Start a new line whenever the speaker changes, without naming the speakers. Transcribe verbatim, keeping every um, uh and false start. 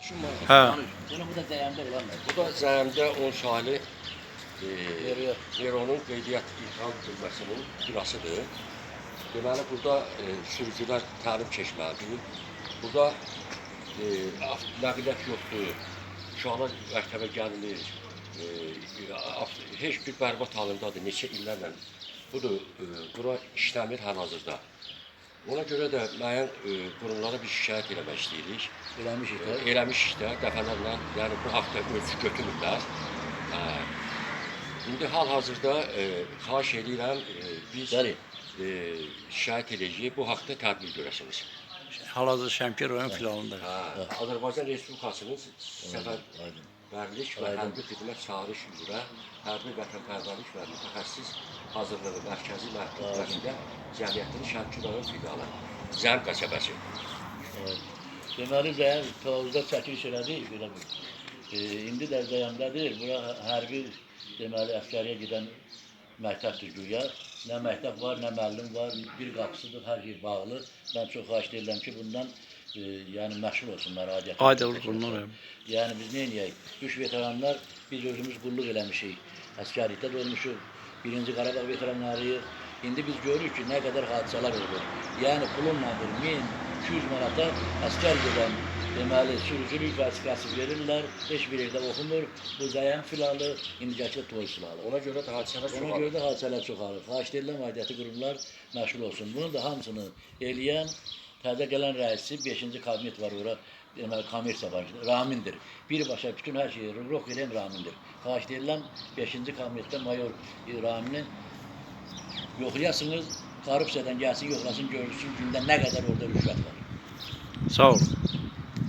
Şu mal.
Hə.
Bunu bu da zəyəmdə olanlar.
Bu da Zəyəmdə on saylı e,
Veriyor.
Neronun qeydiyyat İlham bölməsinin binasıdır. Deməli, burada e, sürücülər təlim keçməlidir. Burada e, nəqliyyat yoxdur, uşaqlar məktəbə gəlilir. E, heç bir bərbad halındadır, neçə illərlə. Budur, e, bura işləmir hal-hazırda. Ona görə də müəyyən e, qurumlara bir şikayət eləmək istəyirik.
Eləmişik
E,
də.
eləmişik də dəfələrlə, yəni bu haqda ölçü götürürlər. Hə. İndi hal-hazırda e, xahiş edirəm, e, biz
Bəli.
e, şikayət edəcəyik, bu haqda tədbir görəsiniz.
Hal-hazırda Şəmkir rayon filialında.
Hə, Azərbaycan Respublikasının Səfərbərlik və
Aydın.
Hərbi Xidmət Çağırış üzrə Hərbi Vətənpərvərlik və Mütəxəssis Hazırlığı Mərkəzi Mərkəzində Cəmiyyətinin Şəmkir rayon filialı, Zəm qəsəbəsi.
Evet. Deməli zəyəm Tovuzda çəkiliş elədik, belə bir. E, indi də zəyəmdədir. Bura hərbi deməli əskəriyə gedən məktəbdir güya. Nə məktəb var, nə müəllim var, bir qapısıdır, hər yer bağlı. Mən çox xahiş edirəm ki, bundan e, yəni məşğul olsunlar aidiyyət.
Aydınlıq bunlar.
Yəni biz nə edəyik? Üç veteranlar biz özümüz qulluq eləmişik. Əskərlikdə də olmuşuq. Birinci Qarabağ veteranlarıyıq. İndi biz görürük ki, nə qədər hadisələr olur. Yəni pulla bir min iki yüz manata əskər gedən deməli sürücülük vəzifəsi verirlər. Heç bir yerdə oxumur. Bu Zəyəm filalı, indicəki Toy filalı.
Ona görə də hadisələr
Ona
çoxalır.
görə də hadisələr çoxalır. Xahiş edirəm aidiyyəti qurumlar məşğul olsun. Bunun da hamısını eləyən təzə gələn rəisi beşinci kabinet var ora. Deməli kommersiya var. Ramindir. Birbaşa bütün hər şeyi ruh edən Ramindir. Xahiş edirəm beşinci kabinetdə mayor Ramini yoxlayasınız. Korrupsiyadan gəlsin, yoxlasın, görürsün gündə nə qədər orada rüşvət var.
Sağ olun.